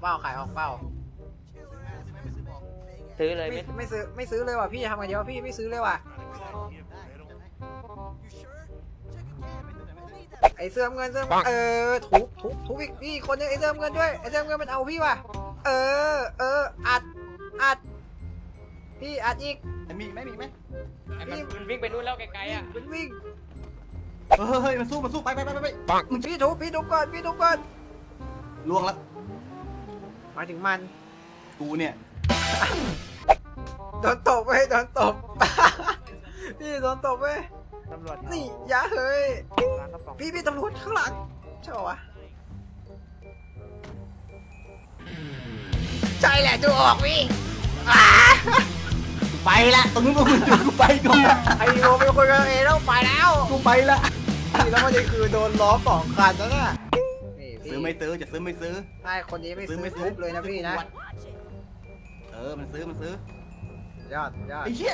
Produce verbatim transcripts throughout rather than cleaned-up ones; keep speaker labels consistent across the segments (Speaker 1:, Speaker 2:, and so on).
Speaker 1: เปล่าขายออกเปล่า
Speaker 2: ซื้อเลย
Speaker 1: ไม่
Speaker 2: ไม่
Speaker 1: ไม่ซื้อไม่ซื้อเลยว่ะพี่ทำไงดีวะพี่ไม่ซื้อเลยว่ะไอเสื้อเงินเสื้อเออทุบทุบทุบอีกพี่คนนึงไอเสื้อเงินด้วยไอเสื้อเงินมันเอาพี่ว่ะเออเอออัดอัดพี่อัดอีก
Speaker 3: มีไหมมีไหม
Speaker 2: มันมันวิ่งไปนู่นแล้วไกลๆอ่ะ
Speaker 1: วิ่งวิ่ง
Speaker 3: เฮ้ยมันสู้มันสู้ไปไปไปไปไป
Speaker 1: พี่ทุบพี่ทุบก่อนพี่ทุบก่อน
Speaker 3: ล่วงแล้ว
Speaker 1: มาถึงมัน
Speaker 3: กูเนี่ย
Speaker 1: โดนตบเว้ยโดนตบ พี่โดนตบเว้ย
Speaker 2: ตำรวจ
Speaker 1: นี่ยาเฮ้ย
Speaker 2: ร้านกระป๋อง
Speaker 1: พี่พี่ตำรวจข้างหลังใช่ป่าวะใช่แหละจูออกพี่
Speaker 3: ไปละตรงนู้นมึงอยู่กูไปก่อน
Speaker 1: ไอ้โมเป็นคนกันเองแล้วไปแล้ว
Speaker 3: กูไปละ
Speaker 1: นี่แล้วมันจะคือโดนล้อสองคันแล้วน่ะนี่พี่
Speaker 3: ซื้อไม่ซื้อจะซื้อไม่ซื้อ
Speaker 1: ใช่คนนี้ไม่ซื้อทุบเลยนะพี่นะ
Speaker 3: เออมันซื้อมันซื้อย
Speaker 1: อดยอด
Speaker 3: ไอ้เหี้ย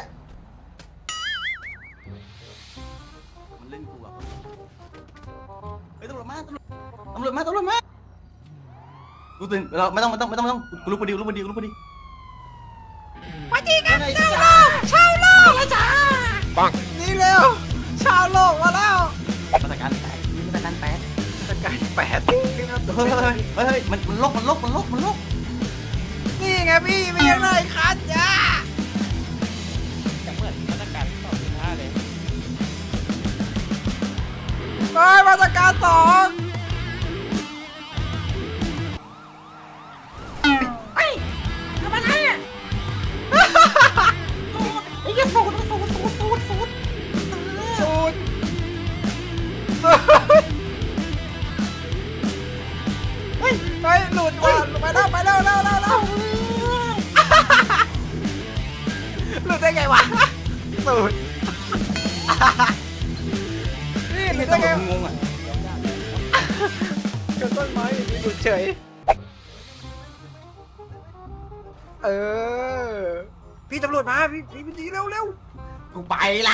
Speaker 3: มันเล่นกูอ่ะเฮ้ยตำรวจมาตำรวจตำรวจมาตำรวจมากูตื่นเราไม่ต้องไม่ต้องไม่ต้องไม่ต้องกูรู้พอดีกูรู้พอดีกูรู้พอดี
Speaker 1: มาจริงกันชาวโลกชาวโลกแล้วจ้าปังนี่เร็วชาวโลกมาแล้ว
Speaker 3: มาตรการแปดมาตรการแปด
Speaker 1: สกายแปด
Speaker 3: เฮ้ยเฮ้ยเฮ้ยมันมันลกมันลกมันลกมันลก
Speaker 1: นี่ไงพี่มีอะไรคันจ้า
Speaker 2: จะเหมือนมาตรการสองจุดห้าเลย
Speaker 1: เฮ้ยมาตรการสองไอ้ทำอะไรอ่ะไอ้ยังสูดสูดสูดสูดสูดสูดสูดเฮ้ยเฮ้ยหลุดว่ะไปแล้วไปแล้วแล้วแล้วแล้วหลุดได้ไงวะสูดนี่หลุ
Speaker 3: ไม่
Speaker 1: ด
Speaker 3: ต้
Speaker 1: ได้
Speaker 3: อง
Speaker 1: ไง
Speaker 3: งงอ่ะ
Speaker 1: ชนต้นไม้อย่างนี้หลุดเฉยเออพี่ตำรวจมาพี่พี่พี่ดีเร็วเร็ว
Speaker 3: กูไปละ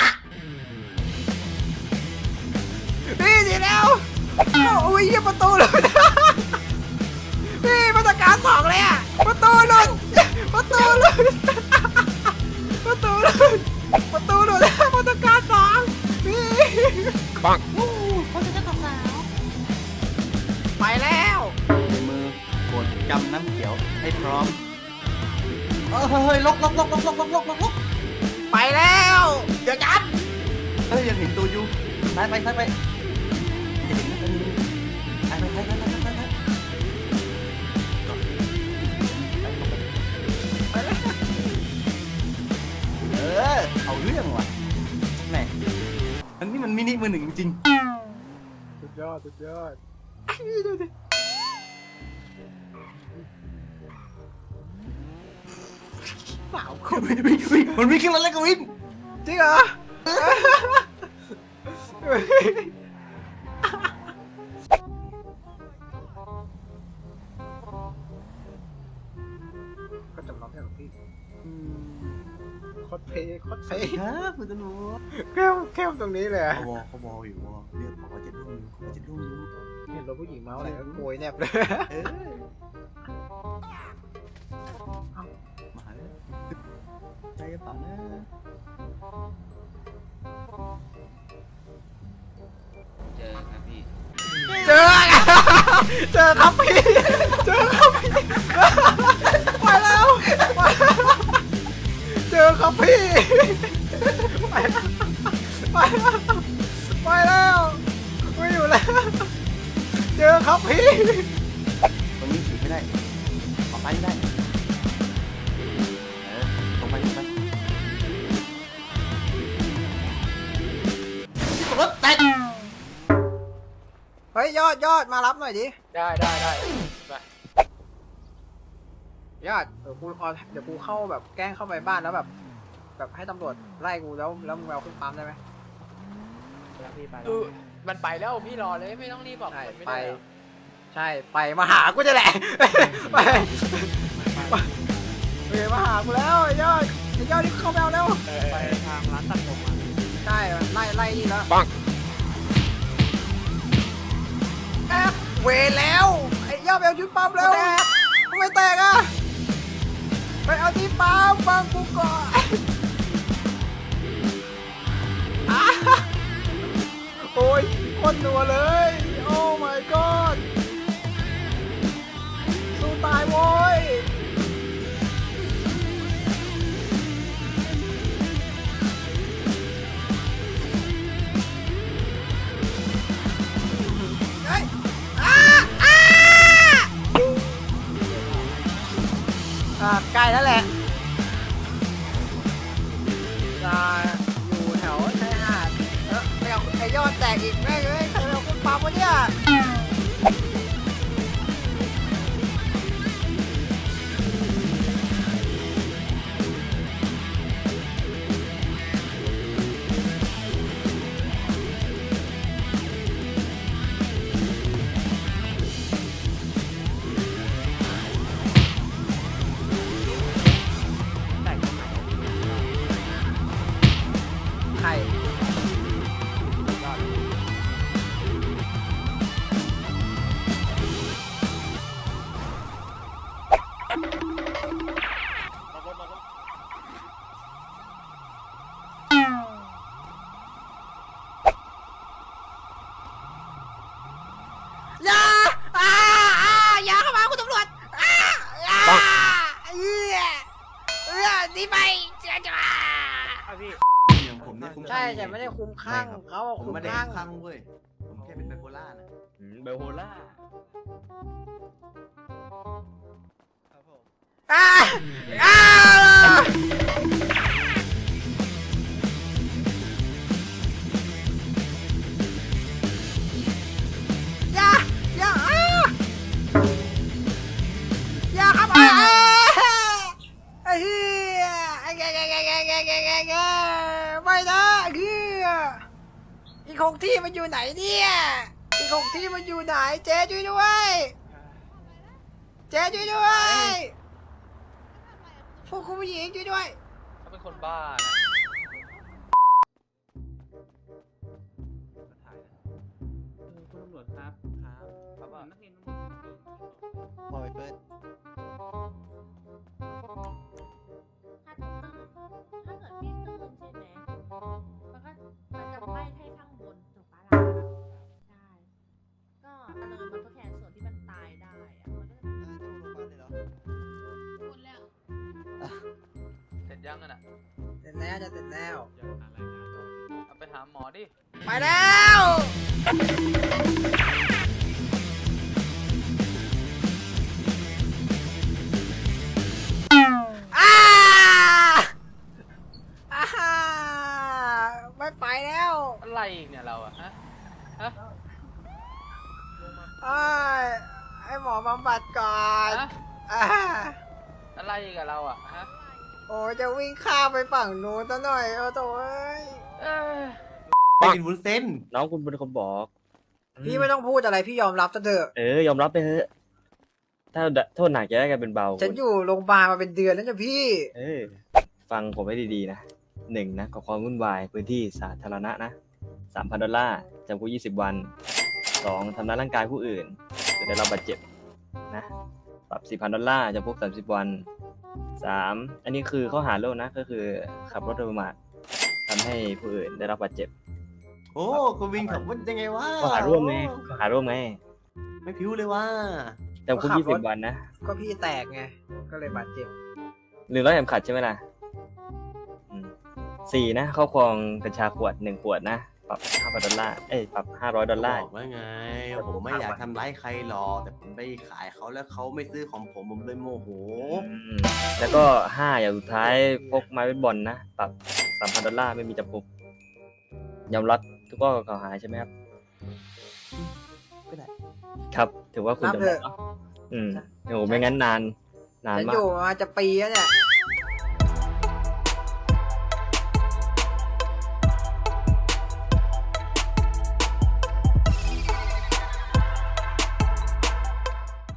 Speaker 1: พี่ดีเร็วโอ้ยยี่ประตูหลุดพี่มาตรการสองเลยอ่ะประตูหลุดประตูหลุดประตูหลุดประตูหลุดมาตรการสองพี่ปังเขาจะทำสาวไปแล้ว
Speaker 3: ในมือกดกำน้ำเขียวให้พร้อมเฮ้ยลกลกลกลกลกลกลกลก
Speaker 1: ไปแล้วเดี๋ยวจับ
Speaker 3: เฮ้ยยังเห็นตัวอยู่ไปไปไปไปจะเห็นนะไปไปไปไปไปไปไป
Speaker 1: ไปแล้ว
Speaker 3: เออเอาเรื่องว่ะแหมอันนี้มันมินิมือหนึ่งจริง
Speaker 1: สุดยอดสุดยอดเปล่า
Speaker 3: วิ่งวิ่งวิ่งมันวิ่งขึ้นมาแล้วก็วิ่ง
Speaker 1: จริงเหรอก็จำลองให้หลวงพี่คดเพย์คดเพย์
Speaker 3: ครับคุณตำรวจ
Speaker 1: แก้มแก้มตรงนี้เลย
Speaker 3: เขาวอเขาวออยู่วอเรียกบอกว่าจะรุ่งอยู่เขาจะรุ่งอยู่
Speaker 1: เห็นรถผู้หญิงเมาอะไรก็โวยแนบเลย
Speaker 3: เออมาเลยใจกระเป๋านะ
Speaker 2: เจอครับพี่
Speaker 1: เจอเจอครับพี่เจอครับพี่ไปแล้วเจอครับพี่ไปแล้วไปแล้วไปแล้วไม่อยู่แล้วเจอครับพี่
Speaker 3: ตรงนี้ฉีดไม่ได้ออกไปไม่ได้เออตรงไปตรงไปรถแตก
Speaker 1: เฮ้ยยอดยอดมารับหน่อยดิ
Speaker 2: ได้ได้ได้ไป
Speaker 1: ยอดเดี๋ยวกูเอาเดี๋ยวกูเข้าแบบแกล้งเข้าไปบ้านแล้วแบบ แบบให้ตำรวจไล่กูแล้วแล้วมึงเอาขึ้นปั๊มได้ไหม
Speaker 2: พี่ไปมันไปแล้วพี่รอเลยไม่ต้องรีบบอก
Speaker 1: ใช่
Speaker 2: มันไม่
Speaker 1: ไป
Speaker 2: ได้หรอก
Speaker 1: ใช่ไปมาหากูจะแหละไปไปมาหากูแล้วไอ้ยอดไอ้ยอดนี่เข้าไปเอาแล้ว
Speaker 2: ไปทางร้านตัดผมอ่ะ
Speaker 1: ใช่ไล่ไล่นี่แล้วปังเวรแล้วไอ้ยอดไปเอาชุดปั๊มแล้วทำไมไม่แตกอ่ะไปเอาที่ปั๊มฟังกูก่อนอ่ะโอ้ยโคนหนัวเลยโอ้ my god สู้ตายโว้ยเฮ้ยอ่าอ่าอ่าใกล้แล้วแหละอ่าอยู่แถวชายหาดเออไปเอาไอ้ยอดแตกอีกแม่งเอ้ยใครไปเอาคุณปั๊มวะเนี่ยใครอย่าอ่าอ่าอย่าเข้ามาคุณตำรวจอ่าอ่าเอื้อเอื้อหนีไปเจ้าจ้า
Speaker 3: อย่างผมเนี่ยคุ้ม
Speaker 1: ใช่แต่ไม่ได้คุ้มข้างเขาอะ
Speaker 3: ผม
Speaker 1: คุ้ม
Speaker 3: ไม่ได้
Speaker 1: ข้าง
Speaker 3: คุ้มข้างเว้ยผมแค่เป็นไบโพล่านะ
Speaker 2: เบลโฮล่า
Speaker 1: อ่าอ่าอย่าอย่าอ่าอย่าครับอ่าไอ้เหี้ยไอ้แกแกแกแกแกแกแกแกไม่นะเหี้ยอีกหกที่มันอยู่ไหนเนี่ยอีกหกที่มันอยู่ไหนเจ๊ช่วยด้วยเจ๊ช่วยด้วยพวกคุณผู้หญิงช่วยด้วย
Speaker 2: เขาเป็นคนบ้านะ
Speaker 4: คุณตำรวจครับ ครับ
Speaker 2: ครับว่า
Speaker 4: นักเรียน
Speaker 5: ปล่อยเปิด
Speaker 6: ถ้าตื่นถ้าเกิดพี่ตื่นใช่ไหมมันก็มันจะไหม้ให้ข้างบนถูกปะล่ะใช่ก็อันนั้นมันทดแทนส่วนที่มันตายได้อะมันก็จะ
Speaker 5: อ่าจะลงโรงพยาบาลเลยเหรอ
Speaker 6: หมดแล้ว
Speaker 2: เสร็จยังกันอ่ะ
Speaker 1: เสร็จแล้วจะเสร็จแล้ว
Speaker 2: เอาไปหาหมอดิ
Speaker 1: ไปแล้วอ้าอ่าไม่ไปแล้ว
Speaker 2: อะไรอีกเนี่ยเราอะฮะฮะ
Speaker 1: ไอ้ยให้หมอบำบัดก่อน
Speaker 2: ฮะ
Speaker 1: อ่า
Speaker 2: อะไรอีกกับเราอะฮะ
Speaker 1: โอ้ยจะวิ่งข้ามไปฝั่งนู้นซะหน่อยโอ้โถ่เอ้ย
Speaker 2: เออ
Speaker 3: ไปกินวุ้นเส้น
Speaker 4: น้องคุณเป็นคนบอก
Speaker 1: พี่ไม่ต้องพูดอะไรพี่ยอมรับซะเถอะ
Speaker 4: เออยอมรับไปเถอะ ถ้าโทษหนักจะได้กลายเป็นเบา
Speaker 1: ฉันอยู่โรงพยาบาลมาเป็นเดือนแล้วนะพี่
Speaker 4: เออ ฟังผมให้ดีๆนะหนึ่งนะก่อความวุ่นวายพื้นที่สาธารณะนะสามพันดอลลาร์จำคุกยี่สิบวันสองทำร้ายร่างกายผู้อื่นจนได้รับบาดเจ็บนะปรับสี่พันดอลลาร์จำคุกสามสิบวันสามอันนี้คือข้อหาโลกนะก็คือขับรถโดยประมาททำให้ผู้อื่นได้รับบาดเจ็บ
Speaker 3: โอ้คุณวินขับรถยังไงวะ
Speaker 4: ข้อหาร่วมไงข้อหาร่วมไง
Speaker 3: ไม่ผิวเลยว่า
Speaker 4: จำคุกยี่สิบวันนะ
Speaker 1: ก็พี่แตกไงก็เลยบาดเจ็บ
Speaker 4: หรือร้อยเข็มขัดใช่ไหมล่ะอืมสี่นะครอบครองกัญชาขวดหนึ่งขวดนะปรับห้าพันดอลลาร์เอ้ยปรับห้าร้อยดอลลาร์
Speaker 3: บอกว่าไง ผมไม่อยากทำร้ายใครหรอกแต่ผมไปขายเขาแล้วเขาไม่ซื้อของผมผมเลยโมโห
Speaker 4: อืมแล้วก็ห้าอย่างสุดท้ายพกไม้เบสบอลนะปรับสามพันดอลลาร์ไม่มีจำคุกยอมรับทุกข้อกล่าวหาใช่ไหมครับ
Speaker 3: ก็ได้
Speaker 4: ครับ ถือว่าคุณ
Speaker 1: รับ
Speaker 4: ยอม
Speaker 1: เถ
Speaker 4: รั
Speaker 1: อะ
Speaker 4: บเนาะอืมโอ้โหไม่งั้นนานนาน
Speaker 1: ฉัน
Speaker 4: มา
Speaker 1: อก ยู่มาจะปีแล้วเนี่ย